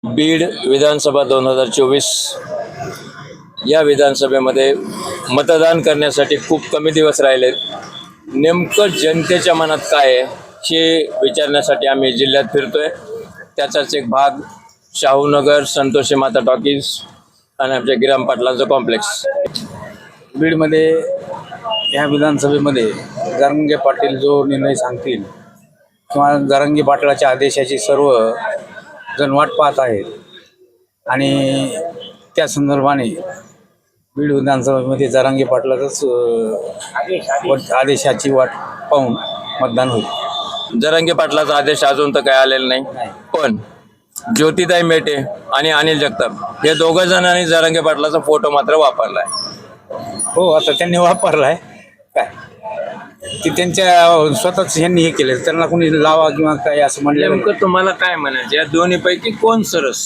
बीड विधानसभा 2024 या विधानसभेमध्ये मतदान करण्यासाठी खूप कमी दिवस राहिलेत. नेमकं जनतेच्या मनात काय आहे हे विचारण्यासाठी आम्ही जिल्ह्यात फिरतोय. त्याचाच एक भाग शाहूनगर, संतोषी माता टॉकीज आणि आमच्या गिराम पाटलांचं कॉम्प्लेक्स. बीडमध्ये ह्या विधानसभेमध्ये जरांगे पाटील जो निर्णय सांगतील किंवा जरांगे पाटलाच्या आदेशाची सर्व जण वाट पाहत आहेत आणि त्या संदर्भाने बीड विधानसभेमध्ये जरांगे पाटलाचंच आदेशाची वाट पाहून मतदान होईल. जरांगे पाटलाचा आदेश अजून तर काय आलेला नाही, पण ज्योतिताई मेटे आणि अनिल जगताप हे दोघं जणांनी जरांगे पाटलाचा फोटो मात्र वापरलाय. हो, आता त्यांनी वापरलाय काय ते त्यांच्या स्वतःच यांनी हे केलं, त्यांना कोणी लावा किंवा काय असं म्हणलं. नेमकं तुम्हाला काय म्हणायचं या दोन्ही पैकी कोण सरस?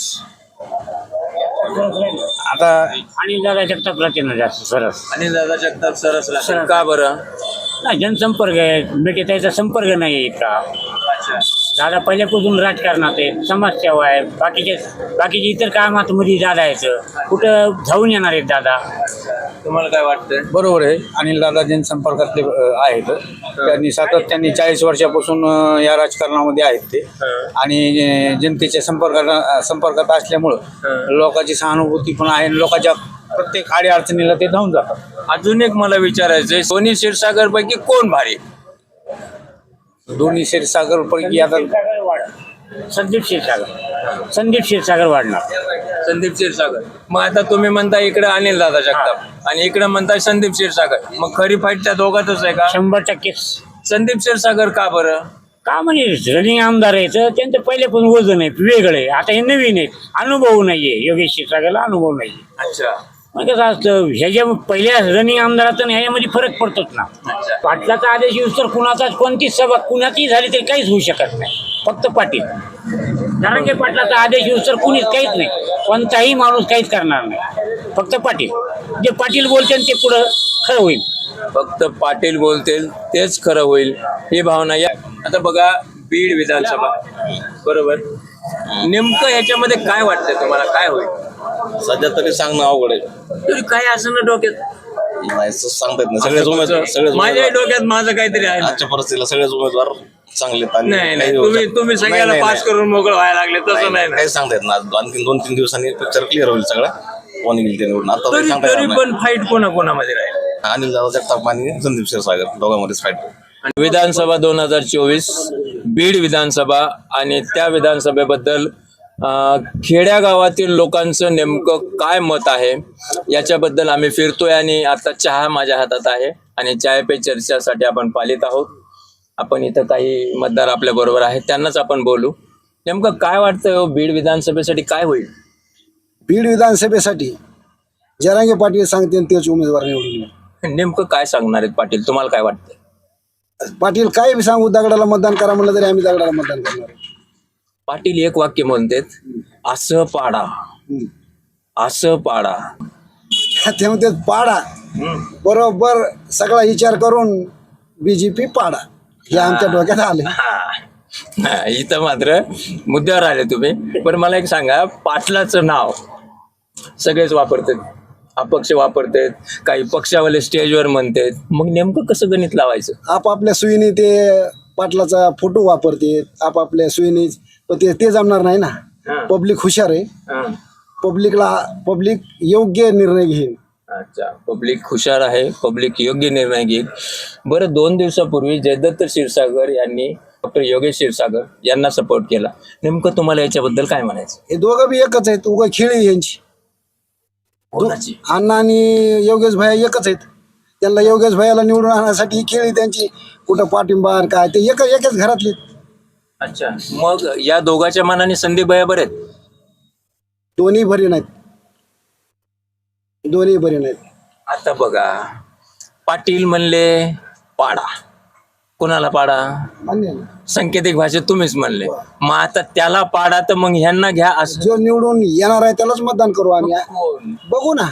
आता आणि दादा जगतापला त्यांना जास्त सरस. आणि दादा जगताप सरस लागतात. का बरं? नाही, जनसंपर्क आहे, भेटे त्याचा संपर्क नाही आहे इतका. दादा पहिल्यापासून राजकारणात आहे, समाजसेवा आहे, बाकीचे इतर कामामध्ये दादा यायचं कुठं जाऊन येणार आहेत दादा. तुम्हाला काय वाटतंय? बरोबर आहे, अनिल दादा जनसंपर्कातले आहेत. त्यांनी सातत्याने 40 वर्षापासून या राजकारणामध्ये आहेत ते आणि जनतेच्या संपर्कात असल्यामुळं लोकांची सहानुभूती पण आहे. लोकांच्या प्रत्येक अडचणीला ते धावून जातात. अजून एक मला विचारायचंय, सोनी क्षीरसागर पैकी कोण भारी? दोन्ही क्षीरसागर पैकी आता संदीप क्षीरसागर वाढणार. संदीप क्षीरसागर. मग आता तुम्ही म्हणता इकडे अनिल दादा जगताप आणि इकडे म्हणता संदीप क्षीरसागर, मग खरी फाईट त्या दोघातच आहे का? 100% संदीप क्षीरसागर का बरं? का म्हणजे रनिंग आमदार आहे तर त्यांचं पहिल्यापासून वजन आहे, वेगळं आहे. आता हे नवीन आहे, अनुभव नाहीये. योगेश क्षीरसागरला अनुभव नाही. अच्छा. मग कसं असतं, ह्याच्या पहिल्या रनिंग आमदारात आणि ह्याच्यामध्ये फरक पडतोच ना. पाटलाचा आदेश येऊस तर कुणाचाच कोणतीच सभा कुणाची झाली तरी काहीच होऊ शकत नाही, फक्त पाटील. जरांगे पाटलाचा आदेश येऊस तर कुणीच काहीच नाही, कोणताही माणूस काहीच करणार नाही, फक्त पाटील. जे पाटील बोलतील ते पुढं खरं होईल. फक्त पाटील बोलतील तेच खरं होईल ही भावना या. आता बघा, बीड विधानसभा बरोबर, नेमकं ह्याच्यामध्ये काय वाटतंय तुम्हाला, काय होईल? सध्या तरी सांगणं अवघड आहे. तरी काय असं ना डोक्यात? नाही सांगता येत नाही. सगळेच माझ्या डोक्यात माझं काहीतरी आहे ना. आजच्या परिस्थितीला सगळेच उमेदवार चांगले आहेत. नाही नाही, तुम्ही सगळ्याला पास करून मोकळ व्हायला लागले, तसं नाही ना. काही सांगता येत ना. आणखी 2-3 दिवसांनी पिक्चर क्लिअर होईल सगळा, कोण येईल ते निवडून. आता तरी सांगता तरी येत पण फाईट कोणाकोणामध्ये राहील? नाही. अनिल दादा जगताप आणि संदीप क्षीरसागर दोघांमध्येच फाईट. विधानसभा 2024 बीड विधानसभा आणि त्या विधानसभेबद्दल खेड्यागावातील लोकांचं नेमकं काय मत आहे याच्याबद्दल आम्ही फिरतोय. आणि आता चहा माझ्या हातात आहे आणि चाय पे चर्चासाठी आपण पालित आहोत. आपण इथं काही मतदार आपल्या बरोबर आहेत, त्यांनाच आपण बोलू. नेमकं काय वाटतं बीड विधानसभेसाठी काय होईल? बीड विधानसभेसाठी जरांगे पाटील सांगतील तेच उमेदवार निवडून येईल. नेमकं काय सांगणार आहेत पाटील, तुम्हाला काय वाटतं? पाटील काय बी सांगू, दगडाला मतदान करा म्हणलं तरी आम्ही दगडाला मतदान करणार. पाटील एक वाक्य म्हणतात, असं पाडा असं पाडा. ते म्हणते पाडा, बरोबर सगळा विचार करून बीजेपी पाडा, हे आमच्या डोक्यात आले. हा, इथं मात्र मुद्द्यावर आले तुम्ही. पण मला एक सांगा, पाटलाचं नाव सगळेच वापरतात, अपक्ष वापरतात, काही पक्षावाले स्टेजवर म्हणतात. मग नेमकं कसं गणित लावायचं? आपापल्या सुईने ते पाटलाचा फोटो वापरते आपापल्या सुईने, पण ते जमणार नाही ना. पब्लिक हुशार आहे, पब्लिक योग्य निर्णय घेईल. अच्छा, पब्लिक हुशार आहे, पब्लिक योग्य निर्णय घेईल. बरं, 2 दिवसापूर्वी जयदत्त क्षीरसागर यांनी डॉक्टर योगेश क्षीरसागर यांना सपोर्ट केला. नेमकं तुम्हाला याच्याबद्दल काय म्हणायचं? हे दोघं बी एकच आहेत, उगा खेळी यांची. अण्णा आणि योगेश भैया एकच आहेत. त्यांना योगेश भैयाला निवडून आणण्यासाठी ही खेळी त्यांची, कुठं पाठिंबा काय ते एकच घरातली. अच्छा, मग या दोघांच्या मनाने संदीप भैया बरे आहेत? दोन्ही बरे नाहीत. आता बघा, पाटील म्हणले पाडा, कुणाला पाडा? मान्य आहे ना? सांकेतिक भाषेत तुम्हीच म्हणले. मग आता त्याला पाडा तर मग ह्यांना घ्या असं? जो निवडून येणार आहे त्यालाच मतदान करू आम्ही. बघू ना,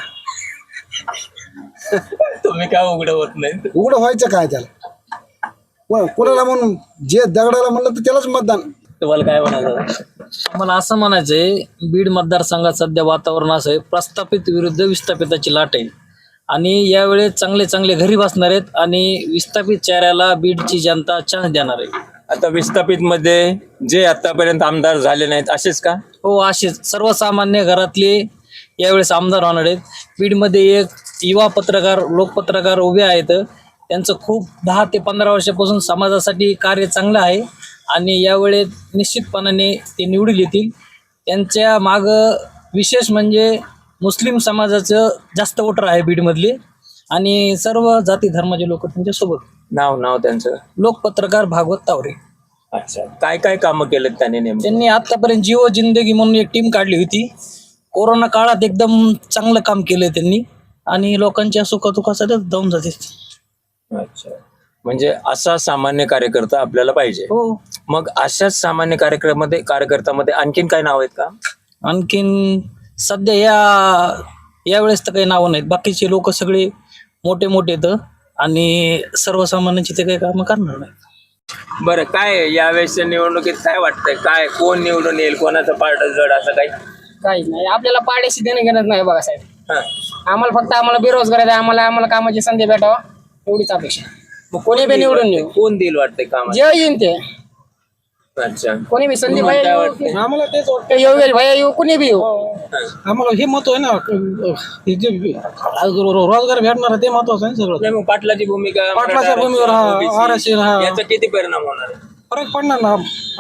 तुम्ही काय उघड होत नाही? उघडं व्हायचं काय त्याला? कोणाला म्हणून जे दगडाला म्हणलं तर त्यालाच मतदान. तुम्हाला काय म्हणायचं? मला असं म्हणायचंय, बीड मतदारसंघात सध्या वातावरण असं आहे, प्रस्थापित विरुद्ध विस्थापिताची लाट आहे आणि यावेळेस चांगले चांगले घरी बसणार आहेत आणि विस्थापित चेहऱ्याला बीडची जनता चान्स देणार आहे. आता विस्थापित मध्ये जे आतापर्यंत आमदार झाले नाहीत असेच का? हो, असेच सर्वसामान्य घरातले यावेळेस आमदार होणार आहेत. बीडमध्ये एक युवा पत्रकार, लोकपत्रकार उभे आहेत. त्यांचं खूप 10 ते 15 वर्षापासून समाजासाठी कार्य चांगलं आहे आणि यावेळेस निश्चितपणाने ते निवडून येतील. त्यांच्या मागं विशेष म्हणजे मुस्लिम समाजाचं जास्त वोटर आहे बीडमधले आणि सर्व जाती धर्माचे लोक त्यांच्यासोबत. नाव त्यांचं? लोकपत्रकार भागवत तावरे. अच्छा, काय काय कामं केलेत त्यांनी नेमके? त्यांनी आतापर्यंत जीव जिंदगी म्हणून एक टीम काढली होती. कोरोना काळात एकदम चांगलं काम केलं त्यांनी आणि लोकांच्या सुखदुःखासाठी जाऊन जाते. अच्छा, म्हणजे असा सामान्य कार्यकर्ता आपल्याला पाहिजे. हो. मग अशाच सामान्य कार्यकर्त्यामध्ये आणखीन काय नाव आहेत का? आणखीन सध्या यावेळेस तर काही नावं नाहीत. बाकीचे लोक सगळे मोठे मोठे आहेत आणि सर्वसामान्यांची ते काही कामं करणार नाहीत. बरं, काय यावेळेसच्या निवडणुकीत काय वाटतंय? काय कोण निवडून येईल, कोणाचं पारड जड, असं काही? काहीच नाही, आपल्याला पाड्याशी देणं घेणं नाही बघा साहेब. हा. आम्हाला बेरोजगार आहे, आम्हाला कामाची संधी भेटावा एवढीच अपेक्षा. मग कोणी बी निवडून येऊ, कोण देईल वाटतंय काम? जे येईन ते, अच्छा, कोणी बी संधी तुम्हाला काय भाई वाटतंय? आम्हाला तेच वाटतं, येऊ भैया येऊ, कोणी बी येऊ. आम्हाला हे महत्व आहे ना, हे जे रोजगार भेटणार आहे ते महत्वाचं आहे सगळं. नाही, मग पाटलाची भूमिका, पाटलाच्या भूमिकेवर OBC, आरक्षण हा याचा किती परिणाम होणार आहे? फरक पडणार ना,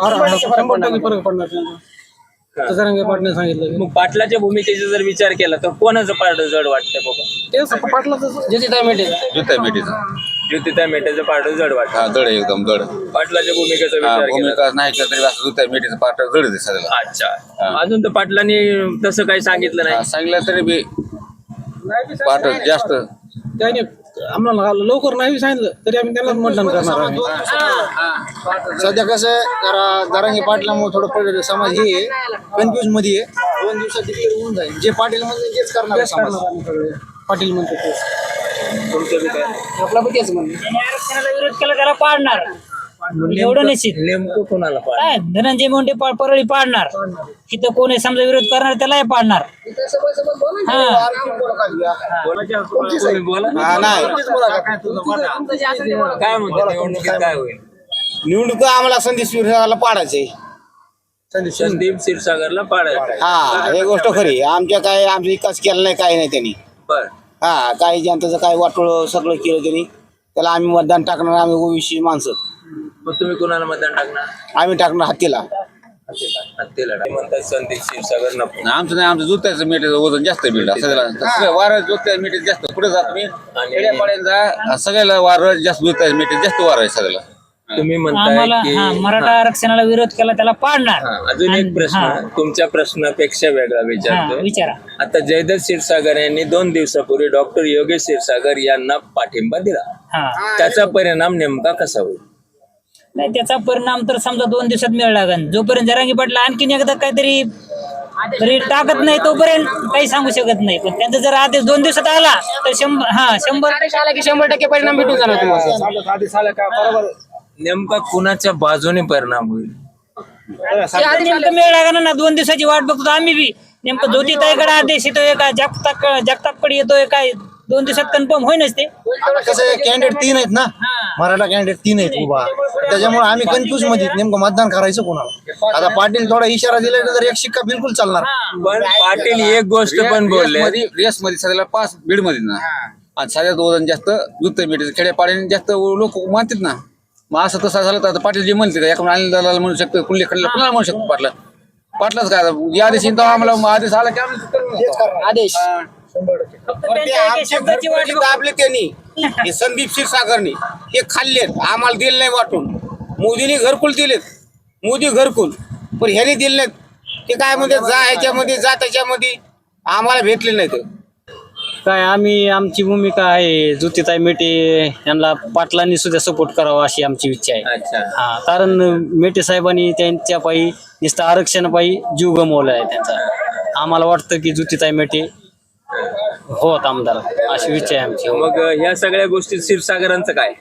100% फरक पडणार त्यांना. जरांगे पाटणे सांगितलं मग पाटलाच्या भूमिकेचा जर विचार केला तर कोणाचं पारड जड वाटतंय बाबा? तेच पाटलाचं ज्योतिताई मेटे ज्योतिताई मेटेचं पारड जड वाटतं. जड आहे, एकदम जड. पाटलाच्या भूमिकेचा विचार केला भूमिका नाही केलं तरी असं जुत्या मिठीचं पाठ जड आहे सगळं. अच्छा, अजून तर पाटलांनी तसं काही सांगितलं नाही. सांगितलं तरी बी पाठ जास्त. त्याने आम्हाला लवकर नाही सांगितलं तरी आम्ही त्यांनाच मतदान करणार आम्ही. सध्या कसं आहे, जरा जरांगे पाटलामुळे थोडं समाज हे कन्फ्युज मध्ये आहे. 2 दिवसात डिक्लेअर होऊन जाईल. जे पाटील म्हणजे तेच करणार आहे समाज. आम्ही सगळे पाटील म्हणतो तेच. तुमचं बी काय? आपला बी तेच म्हणणं. त्यांनी आरक्षणाला विरोध केला त्याला पाडणार, एवढं निश्चित. नेमकं कोणाला पाड? काय धनंजय मुंडे परळी पाडणार, तिथं कोणी समजा विरोध करणार त्यालाही पाडणार. हा, तुम्ही बोला. काय म्हणतो निवडणुकीत काय होईल? निवडणूक आम्हाला संधी स्वीकारला पाडायचे. संदीप क्षीरसागरला पाडायचं. हा, हे गोष्ट खरी. आमचा विकास केला नाही, काही नाही त्यांनी. बर, हा, काही जनतेचं काय वाटोळ सगळं केलं त्यांनी. त्याला आम्ही मतदान टाकणार. आम्ही ओबीसी माणसं. मग तुम्ही कोणाला मतदान टाकणार? आम्ही टाकणार हत्तीला. हत्तीला म्हणतात संदीप क्षीरसागर नको. आमचं नाही, आमचं जुत्याचं मिठीचं वजन जास्त बिल्ड सगळ्याला. वारं जुत्या मिठीत जास्त पुढे जात मी खेड्यापाड्यांचा सगळ्याला वारं जास्त जुत्या मिठीत जास्त वारं आहे सगळ्याला. तुम्ही म्हणताय आम्हाला की मराठा आरक्षणाला विरोध केला त्याला पाडणार. अजून एक प्रश्न तुमच्या प्रश्नापेक्षा वेगळा विचारतो. विचारा. आता जयदत्त क्षीरसागर यांनी 2 दिवसापूर्वी डॉक्टर योगेश क्षीरसागर यांना पाठिंबा दिला. हा, त्याचा परिणाम नेमका कसा होईल? नाही त्याचा परिणाम तर समजा 2 दिवसात मिळाला लागेल. जोपर्यंत जरांगी पाटला आणखीन एकदा काहीतरी तरी टाकत नाही तोपर्यंत काही सांगू शकत नाही. पण त्यांचा जर आदेश 2 दिवसात आला तर 100 आला की 100% परिणाम भेटून जाणार तुम्हाला. नेमका कुणाच्या बाजूने परिणाम होईल? नेमकं मिळ लागणार ना. 2 दिवसाची वाट बघतो आम्ही बी. नेमकं ज्योतिताईकडे आदेश येतोय का जगतापकडे येतोय काय 2 दिवसात कन्फर्म होईनच ते. कसं कॅन्डिडेट 3 आहेत ना, मराठा कॅन्डिडेट 3 आहेत उभा. त्याच्यामुळे आम्ही कन्फ्युज मध्ये नेमकं मतदान करायचं कोणाला. आता पाटील थोडा इशारा दिला तर एक शिक्का बिलकुल चालणार. पण पाटील एक गोष्ट पण बोलले, रेस मध्ये सगळ्याला 5 बीड मध्ये ना, आणि सगळ्यात वजन जास्त जुत्या मिठीचं खेड्यापाड्याने जास्त लोक मानतात ना. मग असं तसं झालं तर आता पाटील जे म्हणते एका अनिल दादाला म्हणू शकतो, कुल्ले खडला कुणाला म्हणू शकतो. पाटलाच काय या आदेश आम्हाला आदेश आला की आम्ही आदेश शब्दाची वाट आपले त्यांनी हे संदीप क्षीरसागरनी हे खाल्लेत, आम्हाला दिले नाही वाटून. मोदीने घरकुल दिलेत, मोदी घरकुल, पण ह्याने दिले नाहीत. ते काय म्हणते जा ह्याच्यामध्ये जा त्याच्यामध्ये, आम्हाला भेटले नाहीत. काय आमची भूमिका आहे ज्योतिताई मेटे यांना पाटलांनी सुद्धा सपोर्ट करावा अशी आमची इच्छा आहे. अच्छा, हा, कारण मेटे साहेबांनी त्यांच्या पायी नुसतं आरक्षणापायी जीव गमवला आहे त्यांचा. आम्हाला वाटतं की ज्योतिताई मेटे होत आमदार अशी इच्छा आहे आमची. मग ह्या सगळ्या गोष्टी क्षीरसागरांचं काय?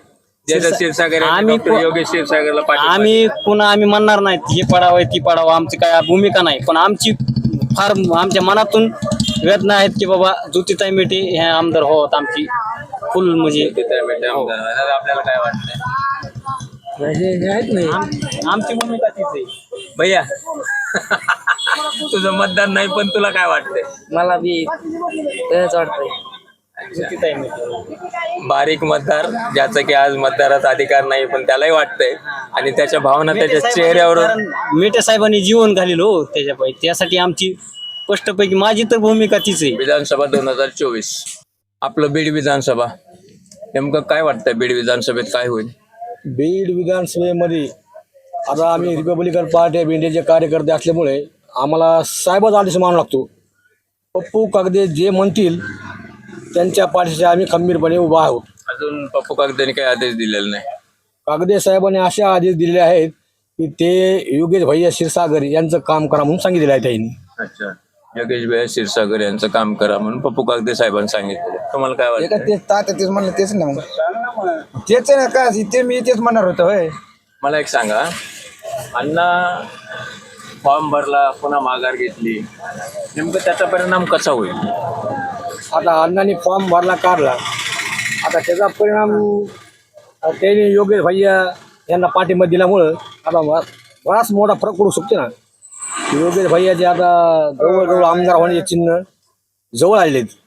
जयदत्त क्षीरसागर यांनी आम्ही डॉक्टर योगेश क्षीरसागरला पाठिंबा आम्ही पुन्हा आम्ही म्हणणार नाहीत हे पडावं ती पडावं, आमची काय भूमिका नाही, पण आमची फार आमच्या मनातून वेदना आहेत की बाबा ज्योतिताई मेटे हे आमदार होत, आमची फुल म्हणजे दादा, आपल्याला काय वाटतंय आमची भूमिका तीच आहे. भैया तुझं मतदान नाही पण तुला काय वाटतंय? मला बी तेच वाटतंय ज्योतिताई मेटे. बारीक मतदार ज्याचा की आज मतदाराचा अधिकार नाही पण त्यालाही वाटतंय आणि त्याच्या भावना त्याच्या चेहऱ्यावर. कारण मेटे साहेबांनी जीवन घालेलं हो त्याच्यापायी, त्यासाठी आमची स्पष्टपैकी माझी तर भूमिका तीच आहे. विधानसभा 2024 आपलं बीड विधानसभा, नेमकं काय वाटतंय बीड विधानसभेत काय होईल? बीड विधानसभेमध्ये आता आम्ही रिपब्लिकन पार्टी ऑफ इंडियाचे कार्यकर्ते असल्यामुळे आम्हाला साहेबच आदेश मानू लागतो. पप्पू कागदे जे म्हणतील त्यांच्या पाठीशी आम्ही खंबीरपणे उभा आहोत. अजून पप्पू कागदेने काही आदेश दिलेला नाही. कागदे साहेबांनी असे आदेश दिलेले आहेत की ते योगेश भैया क्षीरसागर यांचं काम करा म्हणून सांगितलेलं आहे त्यांनी. अच्छा, योगेश भैया क्षीरसागर यांचं काम करा म्हणून पप्पू कागदे साहेबांनी सांगितलं. तुम्हाला काय वाटतं? तेच म्हणलं तेच ना, मग तेच ना का ते मी तेच म्हणणार होतो. होय, मला एक सांगा, अण्णा फॉर्म भरला पुन्हा माघार घेतली, नेमकं त्याचा परिणाम कसा होईल? आता अण्णांनी फॉर्म भरला काढला, आता त्याचा परिणाम त्यांनी योगेश भैया यांना पाठिंबा दिल्यामुळं आता बराच मोठा फरक पडू शकतो ना. योगेश भैयाचे आता जवळजवळ आमदार होण्याचे चिन्ह जवळ आलेत.